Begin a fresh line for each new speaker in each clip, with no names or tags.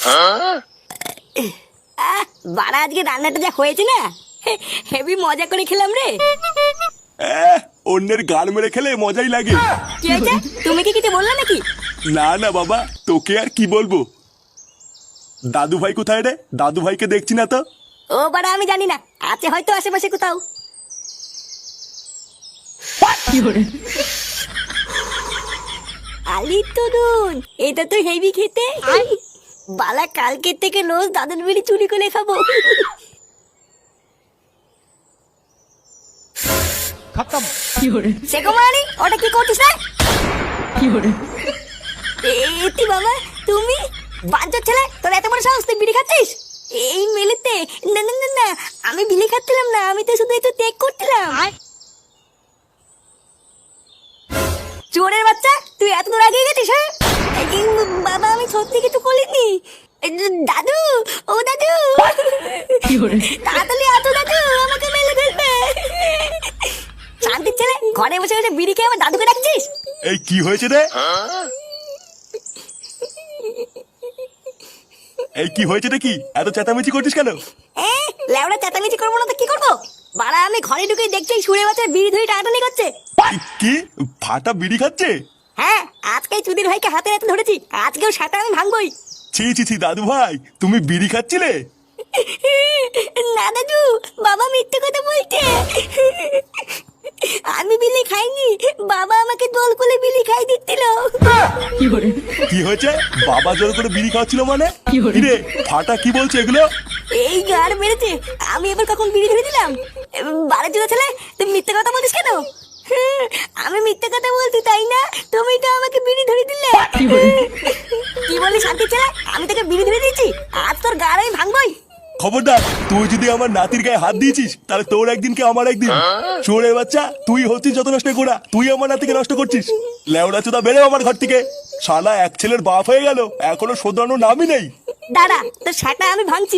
বাড়া আজকে রান্নাটা যা হয়েছে না, হেভি মজা করে খেলাম রে।
অন্যের গাল মেরে খেলে মজাই লাগে।
কি হয়েছে, তুমি কি কিছু বললে নাকি?
না না বাবা, তোকে আর কি বলবো। দাদু ভাই কোথায় রে? দাদু ভাইকে দেখছি না তো।
ও বাড়া আমি জানি না, আছে হয়তো আশেপাশে কোথাও। আলি তরুণ, এটা তো হেভি খেতে। বালা কালকের থেকে রোজ দাদুর বিড়ি চুরি করে খাবো।
খতম।
সে কুমারী, ওটা কি করছিস না? এতি বাবা, তুমি বাঞ্চর ছেলে, তোর এত বড় সাহস, তুই বিড়ি খাচ্ছিস এই মেলেতে? না না না না, আমি বিড়ি খাচ্ছিলাম না, আমি তো শুধু একটু টেক করছিলাম। চোরের বাচ্চা, তুই এত দূর আগে গেছিস? হ্যাঁ বাবা, আমি সত্যি কিছু করিনি। দাদু, ও দাদু, তাড়াতাড়ি আসো দাদু, আমাকে মেলে ফেলবে। শান্তির ছেলে, ঘরে বসে বসে বিড়ি খেয়ে আমার দাদুকে ডাকছিস?
এই কি হয়েছে রে? এই কি হয়েছে রে? কি এত চেঁচামেচি করছিস কেন?
লেওড়া চেঁচামেচি করবো না তো কি করবো? বাড়া আমি ঘরে ঢুকে দেখছি সুরে বাচ্চার বিড়ি ধরে টানাটানি করছে।
কি ফাটা বিড়ি খাচ্ছে?
হ্যাঁ, আজকে চুদির ভাইকে হাতে হাতে ধরেছি, আজকেও সেটা আমি ভাঙবই।
ছি ছি ছি, দাদু ভাই তুমি বিড়ি খাচ্ছিলে?
না দাদু, বাবা মিথ্যে কথা বলছে। আমি বিলি খাইনি, বাবা আমাকে দোল করে বিলি খাই দিচ্ছিল।
কি হয়েছে? বাবা জোর করে বিড়ি খাওয়াচ্ছিল মানে? রে ফাটা কি বলছে এগুলো?
এই গাড় মেরেছে, আমি এবার কখন বিড়ি ধরে দিলাম? বারে চুদা ছেলে, তুমি মিথ্যে কথা বলিস কেন? আমি মিথ্যে কথা বলছি তাই না? তুমি তো আমাকে বিড়ি ধরে দিলে। কি বলি শান্তি ছেলে, আমি তোকে বিড়ি ধরে দিয়েছি, আজ তোর গাড় আমি ভাঙবই।
খবরদার, তুই যদি আমার নাতির গায়ে হাত দিয়েছিস তাহলে তোর একদিন কে আমার একদিন। চোরের বাচ্চা, তুই হচ্ছিস যত নষ্ট করা, তুই আমার নাতিকে নষ্ট করছিস। লেওড়া চোদা বেরো আমার ঘর থেকে। শালা এক ছেলের বাপ হয়ে গেল, এখনো শোধরানোর নামই নেই।
দাঁড়া, তোর সেটা আমি ভাঙছি।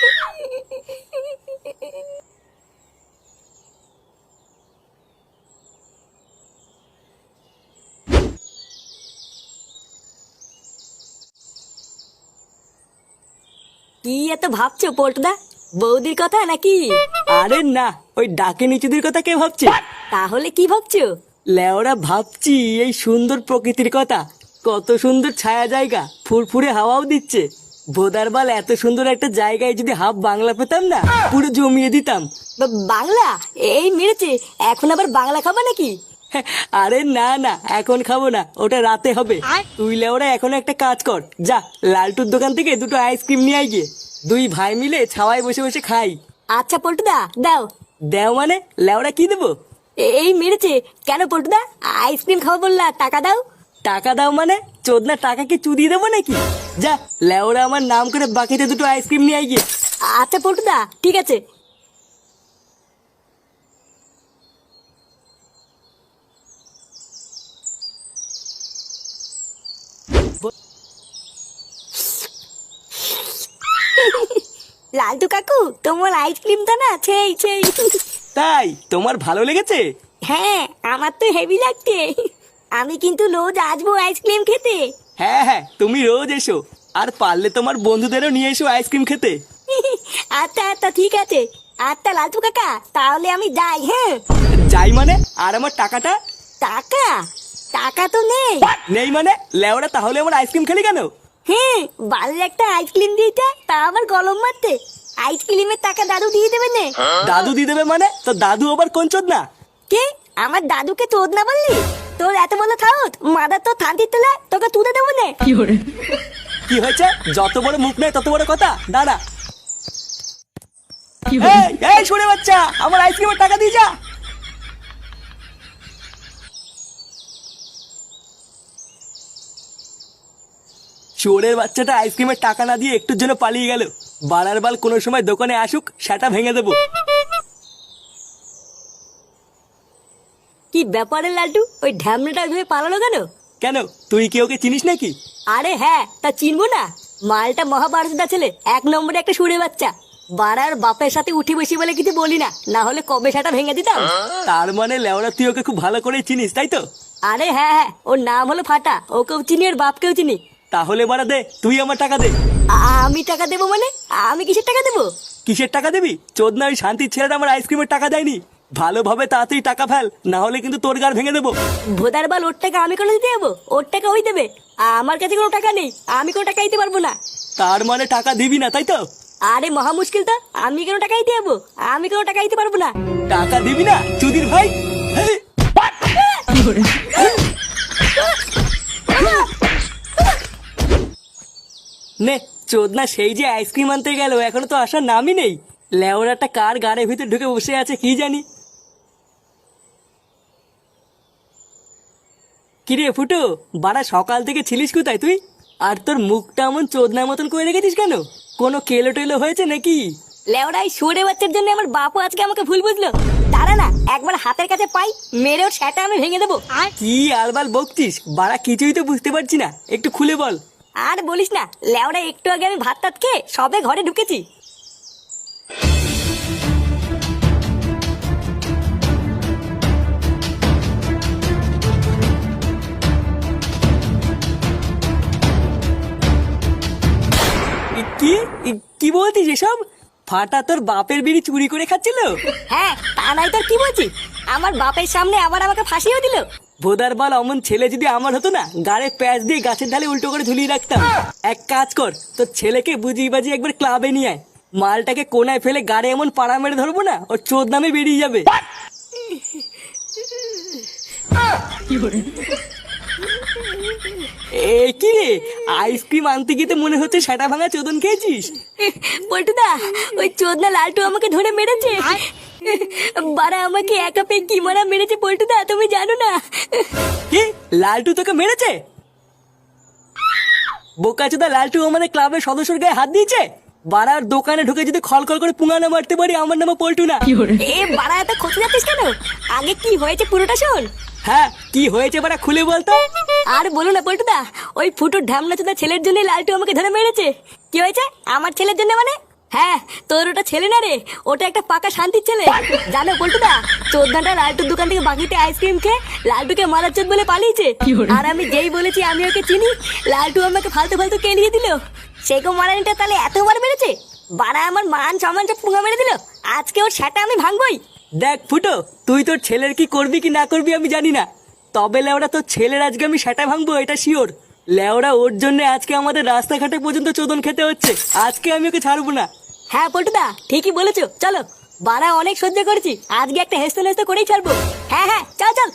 কি এত ভাবছো পল্টুদা, বৌদির কথা নাকি?
আরে না, ওই ডাকে নিচুদের কথা কে ভাবছে?
তাহলে কি ভাবছো?
লেওরা ভাবছি এই সুন্দর প্রকৃতির কথা। কত সুন্দর ছায়া জায়গা, ফুরফুরে হাওয়াও দিচ্ছে। ভোদারবাল, এত সুন্দর একটা জায়গায় যদি হাফ বাংলা পেতাম না, পুরো জমিয়ে দিতাম।
বাংলা? এই মেরেছে, এখন আবার বাংলা খাবা নাকি?
আরে না না, এখন খাবো না, ওটা রাতে হবে। তুই লেওরা এখন একটা কাজ কর, যা লালটুর দোকান থেকে দুটো আইসক্রিম নিয়ে আয় গিয়ে। দুই ভাই মিলে ছাওয়ায় বসে বসে খাই।
আচ্ছা পল্টুদা, দাও।
দেও মানে? লেওরা কি দেবো?
এই মেরেছে, কেন পল্টুদা? আইসক্রিম খাবো বললা, টাকা দাও।
টাকা দাও মানে? চোদনা টাকা কি চুদিয়ে দেবো নাকি? যা লেওরা আমার নাম করে বাকিতে দুটো আইসক্রিম নিয়ে আয় গিয়ে।
আচ্ছা পল্টুদা, ঠিক আছে। লালটু কাকু, তোমার আইসক্রিমটা না সেই সেই।
তাই তোমার ভালো লেগেছে?
হ্যাঁ, আমার তো হেভি লাগছে। আমি কিন্তু রোজ আসবো আইসক্রিম খেতে।
হ্যাঁ হ্যাঁ, তুমি রোজ এসো, আর পারলে তোমার বন্ধুদেরও নিয়ে এসো আইসক্রিম খেতে।
আচ্ছা আচ্ছা, ঠিক আছে। আচ্ছা লালটু কাকা, তাহলে আমি যাই। হ্যাঁ
যাই মানে? আর আমার টাকাটা?
টাকা? টাকা তো নেই।
নেই মানে? লেওরা তাহলে আমার আইসক্রিম খেলি কেন?
হ্যাঁ, বাড়ির একটা আইসক্রিম দিয়েছে, তা আবার গলম মারতে। আইসক্রিমের টাকা দাদু দিয়ে দেবে না।
দাদু দিয়ে দেবে মানে? তো দাদু আবার কোন চোদনা?
কে? আমার দাদুকে তোদ না বললি? তোর এত বড় থাউত, মাদার তো থান্তির তোলা, তোকে তুলে দেবো না।
কি হয়েছে? যত বড় মুখ নেই তত বড় কথা। দাঁড়া। এই শুনে বাচ্চা, আমার আইসক্রিমের টাকা দিয়ে যা। চোরের বাচ্চাটা আইসক্রিমের টাকা না দিয়ে একটুর জন্য পালিয়ে গেল। বাড়ার বাল কোনো সময় দোকানে আসুক, সেটা ভেঙে দেবো।
কি ব্যাপারে লালটু, ওই ঢ্যামনাটা ধরে পালালো কেন?
কেন, তুই কি ওকে চিনিস নাকি?
আরে হ্যাঁ, তা চিনবো না? মালটা মহাভারতটা ছেলে, এক নম্বরে একটা সুরে বাচ্চা। বাড়ার বাপের সাথে উঠি বসি বলে কিছু বলি না, না হলে কবে সেটা ভেঙে দিতাম।
তার মানে লেওরা তুই ওকে খুব ভালো করে চিনিস, তাই তো?
আরে হ্যাঁ হ্যাঁ, ওর নাম হলো ফাটা, ওকেও চিনি, ওর বাপকেও চিনি।
তাহলে বাড়া দে, তুই আমার টাকা দে।
আমি টাকা দেবো মানে? আমি কিসের টাকা দেবো?
কিসের টাকা দিবি? চোদনা ওই শান্তির ছেলেটা আমার আইসক্রিমের টাকা দেয়নি। ভালোভাবে তাড়াতাড়ি টাকা ফেল, না হলে কিন্তু তোর গাড় ভেঙে দেবো।
ভোদার বাল, ওর টাকা আমি কোনো দিতে যাবো? ওর টাকা ওই দেবে, আমার কাছে কোনো টাকা নেই, আমি কোনো টাকা দিতে পারবো না।
তার মানে টাকা দিবি না, তাই তো?
আরে মহা মুশকিল তো, আমি কেন টাকা দিতে যাবো? আমি কোনো টাকা দিতে পারবো না।
টাকা দিবি না চুদির ভাই? হেই! নে চোদনা সেই যে আইসক্রিম আনতে গেল, এখনো তো আসার নামই নেই। লেওরাটা কার গাড়ির ভিতরে ঢুকে বসে আছে কি জানি। কিরে ফুটো, বাড়া সকাল থেকে ছিলিস কোথায় তুই? আর তোর মুখটা এমন চোদনার মতন করে রেখেছিস কেন? কোনো কেলো টেলো হয়েছে নাকি?
লেওড়াই সরে বাচ্চার জন্য আমার বাপও আজকে আমাকে ভুল বুঝলো। দাঁড়া না, একবার হাতের কাছে পাই, মেরে ওর সেটা আমি ভেঙে দেবো।
কি আলবাল বকছিস? বাড়া কিছুই তো বুঝতে পারছি না, একটু খুলে বল।
আর বলিস না, লেওড়া একটু আগে আমি ভাত টাত খেয়ে সবে ঘরে ঢুকেছি।
কি কি বলছিস এসব? ফাটা তোর বাপের বিড়ি চুরি করে খাচ্ছিল?
হ্যাঁ, তা নাই তোর কি বলছি? আমার বাপের সামনে আবার আমাকে ফাঁসিও দিল।
ভোদার বাল, অমন ছেলে যদি আমার হতো না, গাড়ে প্যাচ দিয়ে গাছের ঢালে উল্টো করে ঝুলিয়ে রাখতাম। এক কাজ কর, তোর ছেলেকে বুঝিয়ে বাজিয়ে একবার ক্লাবে নিয়ে আয়। মালটাকে কোনায় ফেলে গাড়ে এমন পাড়া মেরে ধরবো না, ওর চোদ নামে বেরিয়ে যাবে। এ কি রে, আইসক্রিম আনতে গিয়ে তো মনে হচ্ছে সেটা ভাঙা চোদন খেয়েছিস।
পল্টুদা, ওই চোদনা লালটু আমাকে ধরে মেরেছে। বারা আমাকে একা পেয়ে কি মারা মেরেছে পল্টুদা, তুমি জানো না?
কি, লালটু তোকে মেরেছে? বোকাচোদা, লালটু আমাদের ক্লাবের সদস্যর গায়ে হাত দিয়েছে? বাড়ার দোকানে ঢুকে যদি খলখল করে পুঙ্গানো মারতে পারি, আমার নামে পল্টু না।
এ বারা, এত খোঁজ যাচ্ছিস কেন? আগে কি হয়েছে পুরোটা শোন।
হ্যাঁ, কি হয়েছে বাড়া খুলে বলতো।
আর বলো না পল্টুদা, ওই ফুটোর ঢামনা চোদা ছেলের জন্য লালটু আমাকে ধরে মেরেছে। কি হয়েছে আমার ছেলের জন্য মানে? হ্যাঁ, তোর ওটা ছেলে না রে, ওটা একটা পাকা শান্তির ছেলে। জানো পল্টুদা, চোদ্দাটা লালটুর দোকান থেকে বাকিতে আইসক্রিম খেয়ে লালটুকে মারার চোদ বলে পালিয়েছে। আর আমি যেই বলেছি আমি ওকে চিনি, লালটু আমাকে ফালতু ফালতু কেলিয়ে দিল। সেগো মারানিটা তাহলে এতবার মেরেছে? বাড়া আমার মান সম্মান সব পুঙ্গা মেরে দিল। আজকে ওর সেটা আমি ভাঙবই।
দেখ ফুটো, তুই তোর ছেলের কি করবি কি না করবি আমি জানি না, তবে লেওড়া তোর ছেলের আজকে আমি সেটা ভাঙবো, এটা শিওর। লেওড়া ওর জন্য আজকে আমাদের রাস্তাঘাটে পর্যন্ত চোদন খেতে হচ্ছে। আজকে আমি ওকে ছাড়বো না।
হ্যাঁ পল্টুদা, ঠিকই বলেছো, চলো। বাড়া অনেক সহ্য করেছি, আজকে একটা হেসতে নেস্তে করেই ছাড়বো। হ্যাঁ হ্যাঁ, চল চল।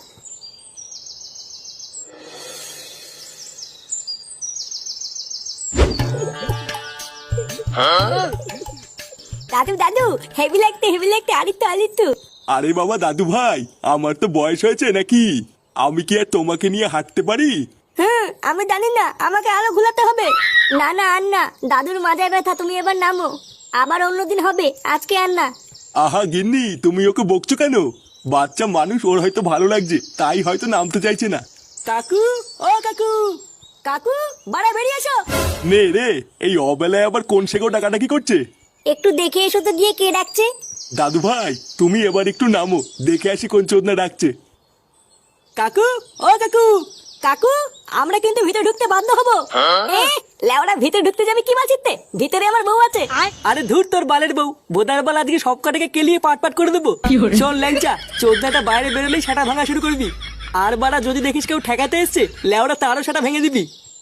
দাদু দাদু, হেভি লাগতে আরিত্য।
আরে বাবা দাদু ভাই, আমার তো বয়স হয়েছে নাকি? আমি কি আর তোমাকে নিয়ে হাঁটতে পারি?
আমি জানি না, আমাকে আরো ঘুলাতে হবে। না না, আর না, দাদুর মাজায় ব্যথা, তুমি এবার নামো। আবার অন্যদিন হবে, আজকে আর না।
আহা গিন্নি, তুমি ওকে বকছো কেন? বাচ্চা মানুষ, ওর হয়তো ভালো লাগছে, তাই হয়তো নামতে চাইছে না।
কাকু, ও কাকু।
কাকু, বাড়া বেরিয়ে এসো।
নে রে, এই অবেলায় আবার কোন সেগো ডাকাডাকি করছে?
একটু দেখে এসো তো গিয়ে কে ডাকছে।
দাদু ভাই, তুমি এবার একটু নামো, দেখে আসি কোন চোদনা ডাকছে।
কাকু, ও কাকু।
কাকু, আমরা কিন্তু ভিতরে ঢুকতে বাধ্য হবো। লেওড়া ভিতরে ঢুকতে যাবে কি মাছিতে? ভিতরে আমার বউ আছে।
আরে ধুর তোর বালের বউ, বোদার বাল আজকে সব কটাকে কেলিয়ে পাট পাট করে দেবো। শোন ল্যাংচা, চোদনাটা বাইরে বেরোলেই সেটা ভাঙা শুরু করবি। আর বাড়া যদি দেখিস কেউ ঠেকাতে এসছে, লেওড়া তারও সেটা ভেঙে দিবি।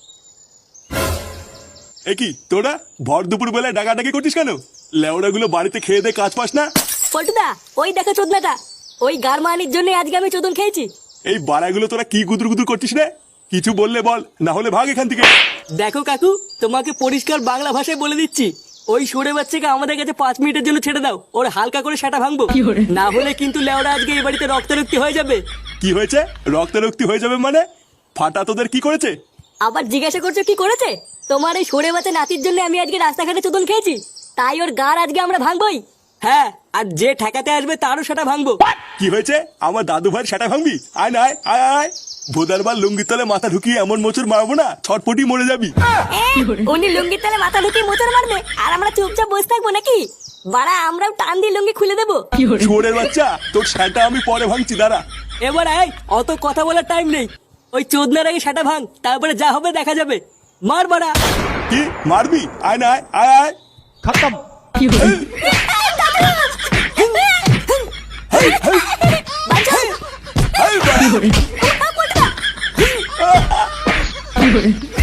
এ কি তোরা ভর দুপুর বেলায় ডাকাডাকি করছিস কেন? লেওড়া গুলো বাড়িতে খেয়ে দে কাজ পাস না?
পল্টুদা, ওই দেখো চোদনাটা, ওই গারমানির জন্য আজকে আমি চোদন খেয়েছি।
এই বাড়াগুলো তোরা কি গুদুর গুদুর করছিস রে? কিছু বললে বল, না হলে ভাগ এখান থেকে।
দেখো কাকু, তোমাকে পরিষ্কার বাংলা ভাষায় বলে দিচ্ছি, ওই সরে বাচ্চাকে আমাদের কাছে 5 মিনিটের জন্য ছেড়ে দাও, ওর হালকা করে সেটা ভাঙবো। না হলে কিন্তু লেওড়া আজকে এই বাড়িতে রক্তারক্তি হয়ে যাবে।
কি হয়েছে? রক্তারক্তি হয়ে যাবে মানে? ফাটা তোদের কি করেছে?
আবার জিজ্ঞাসা করছো কি করেছে? তোমার এই সরে বাচ্চা নাতির জন্য আমি আজকে রাস্তাঘাটে চোদন খেয়েছি, তাই ওর গার আজকে আমরা ভাঙবই।
হ্যাঁ, আর যে ঠেকাতে আসবে তারও সেটা ভাঙবো।
কি হয়েছে? আমার দাদু ভাইয়ের সেটা ভাঙবি? আয় না, আয় আয় আয়। ভোদারবার লুঙ্গির তলে মাথা ঢুকিয়ে এমন মোচড় মারবো না, ছটপটি মরে যাবি।
উনি লুঙ্গির তলে মাথা ঢুকিয়ে মোচড় মারবে, আর আমরা চুপচাপ বসে থাকবো নাকি? বাড়া, আমরাও টান দিয়ে লুঙ্গি খুলে দেবো।
শুয়োরের বাচ্চা, তোর সেটা আমি পরে ভাঙছি, দাঁড়া।
এবার আয়, অত কথা বলার টাইম নেই। ওই চোদনার আগে সেটা ভাঙ, তারপরে যা হবে দেখা যাবে। মার বাড়া।
কি মারবি? আয় না, আয় আয় আয়।
खत्म।
বাঁচাও।
এই বাড়ি।
পল্টুদা।